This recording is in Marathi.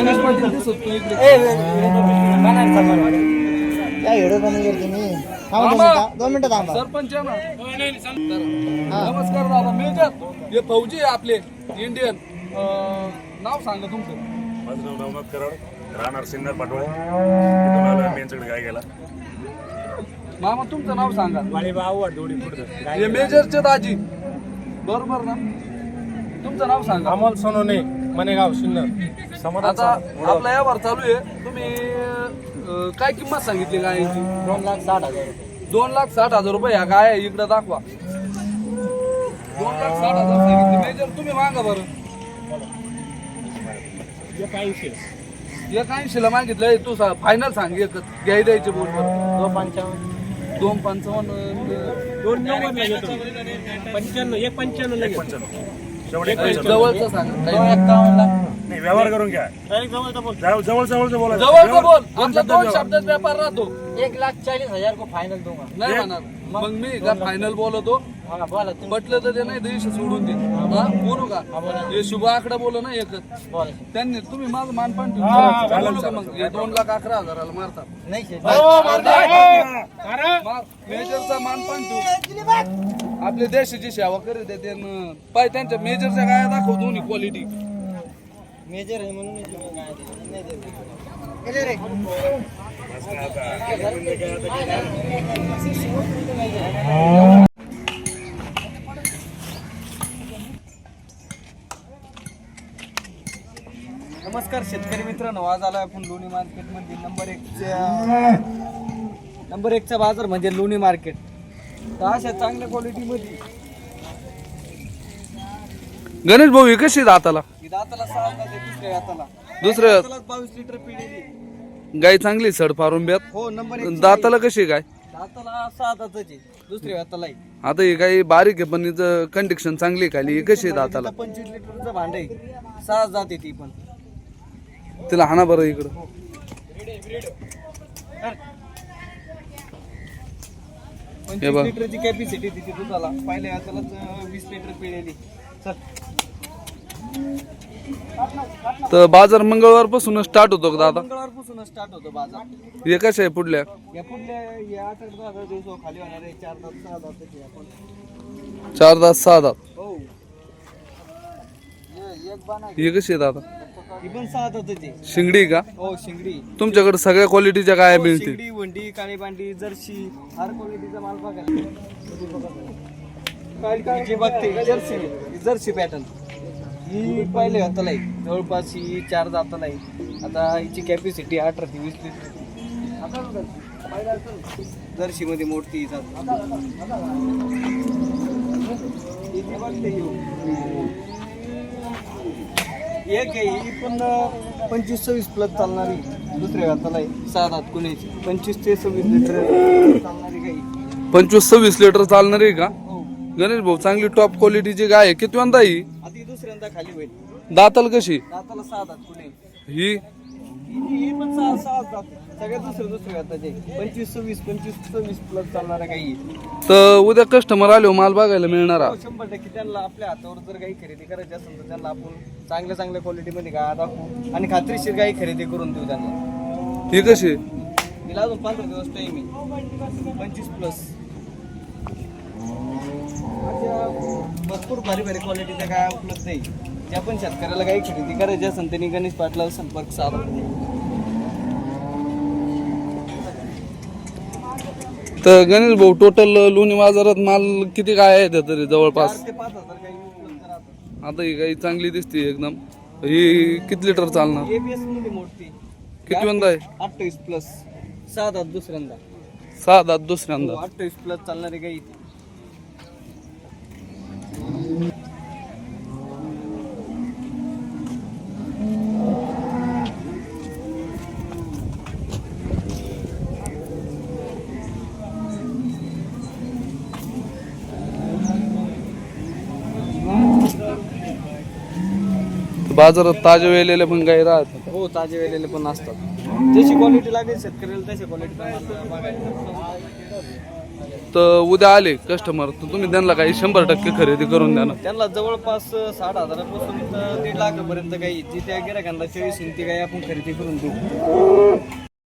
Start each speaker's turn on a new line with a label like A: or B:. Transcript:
A: गणेश पाटील दिसत तू इकडे.
B: काय एवढं कमी करते मी.
A: थांबा.
B: 2 मिनिटं थांबा.
A: सरपंच आहे ना. नमस्कार दादा. मेजर हे फौजी आहे आपले इंडियन. नाव सांगा तुमचं.
C: माझं नाव नवनाथ कराड, राहणार सिन्नर पाटोळे. इथून आलो मी यांच्याकडे काय गेला.
A: मामा तुमचं नाव सांगा. हे मेजरचे दाजी बरोबर ना. तुमचं नाव सांगा.
D: अमोल सोनोने, मनेगाव, सिन्नर.
A: आता आपला व्यवहार चालू आहे. तुम्ही काय किंमत सांगितली गायची?
B: 2,60,000.
A: 2,60,000 रुपये. ह्या गाय आहे, इकडे दाखवा. 2,60,000 सांगितले. मेजर तुम्ही मागा बरं. 180ला मागितलंय. तू फायनल सांग. एक घ्याय द्यायचे बोल बरं.
B: 2,55.
A: 2,55.
C: शेवटी
A: जवळचं सांगा.
B: 2,51.
C: नाही, व्यवहार करून घ्या. जवळचं बोला.
A: जवळचं बोल. आमचा 2 शब्दात व्यापार राहतो.
B: 1,40,000 को फायनल दूंगा.
A: नाही म्हणणार. मग मी का फायनल बोलतो.
B: हाँ बोला तुम.
A: पटलं तर ते नाही दिवशी सोडून दे. हा बोलू का? हे शुभ आकडा बोल ना एकच.
B: बोला.
A: त्यांनी तुम्ही माझं मानपान ठेवून बोलू का मग? हे 2,11,000 मारतात.
B: नहीं शेठ.
A: मेजरचा मानपान ठेवू. आपल्या देशाची सेवा करीत आहे त्यानं. पाय त्यांच्या मेजरच्या गाया दाखव दोन्ही क्वालिटी.
B: मेजर है म्हणून नाही देत. रे.
A: नमस्कार शेतकरी मित्रांनो. आज आलो आपण लोणी मार्केट मध्ये. नंबर 1चा बाजार म्हणजे लोणी मार्केट. तर अशा चांगल्या क्वालिटी मध्ये गणेश भाऊ ही कशी दाताला? दाताला 6 दात आहे. दुसऱ्या 22 लिटर पिढेली गाय. चांगली सड फारून ब्यात. हो नंबर 1. दाताला कशी गाय? दाताला 6 दाताची. दुसऱ्या दाताला. आता ही गाय बारीक आहे पण हिचं कंडिक्शन चांगली खाली. ही कशी आहे दाताला? 25 लिटरचं भांड आहे. 6 दात आहे ती पण. तिला हाना बरं इकडं. 25 लिटरची कॅपॅसिटी तिथे दुधाला. पहिल्या हाताला 20 लिटर पिळेली. तर बाजार मंगळवार पासून स्टार्ट होतो का दादा? मंगळवार पासून स्टार्ट होतो बाजार. हे कशा आहे पुढल्या? या पुढल्या या 8-10 दिवस खाली होणार आहे. 4 दात 6 दात आपण. 4 दात 6 दात. हो. एक बाना. हे कशी आहे दादा? ही पण 6 दाताची. शिंगडी का? हो शिंगडी. तुमच्याकडे सगळ्या क्वालिटीच्या गाया मिळतील. शिंगडी, वंडी, काळी बांडी, जर्सी, हर क्वालिटीचा माल बघायला. काय बघते जर्सी पॅटर्न. ही पहिले हाताला आहे. जवळपास ही 4 दाताला आहे. आता हिची कॅपॅसिटी 18 ते 20 लिटर. जर्सी मध्ये मोठी एक आहे. ही पण 25-26 प्लस चालणारी. दुसऱ्या हाताला आहे. 6 दात कुणाची. 25 ते 26 लिटर चालणारी गाई. 25-26 लिटर चालणारी का? गणेश भाऊ चांगली टॉप क्वालिटीची गाय आहे. किती वंदा ही? आधी दुसऱ्यांदा खाली होईल. दाताल कशी? दाताला 6 दात कुणी. ही पण 6 दात. सगळ्यात दुसऱ्या दाताचे. 25-26 25-26 प्लस चालणाऱ्या गाई. तर उद्या कस्टमर आले माल बघायला मिळणार. 100% त्यांना आपल्या हातावर जर गाई खरेदी करायची असेल तर त्यांना आपण चांगल्या क्वालिटी मध्ये गाय दाखवू आणि खात्रीशीर गाई खरेदी करून देऊ त्यांना. ही कशी? तिला अजून 15 दिवस टाइम आहे. 25 प्लस. भरपूर भारी क्वालिटीच्या गाय उपलब्ध आहे. ज्या पण शेतकऱ्याला गाई खरेदी करायची असेल त्यांनी गणेश पाटलाला संपर्क साधा. तर गणेश भाऊ टोटल लोणी बाजारात माल किती गाय आहेत तरी? जवळपास 4,000 ते 5,000 गाई उपलब्ध राहतात. आता ही गाई चांगली दिसते एकदम. ही किती लिटर चालणार? एबीएस मध्ये मोठी. किती वंदा आहे? 28 प्लस. 6 दात दुसऱ्यांदा. 6 दात दुसऱ्यांदा. 28 प्लस चालणारी गाई. बाजारात ताजे वेलेले पण गाई राहतात.
B: हो ताजे वेलेले पण असतात. जशी क्वालिटी लागेल शेतकऱ्याला तशी क्वालिटी
A: तर उद्या आले कस्टमर तर तुम्ही त्यांना काही 100% खरेदी करून द्या ना.
B: त्यांना जवळपास 60,000पासून तर 1.5 लाखापर्यंत काही जी त्या गिरायकांना चॉईस ती काही आपण खरेदी करून देऊ.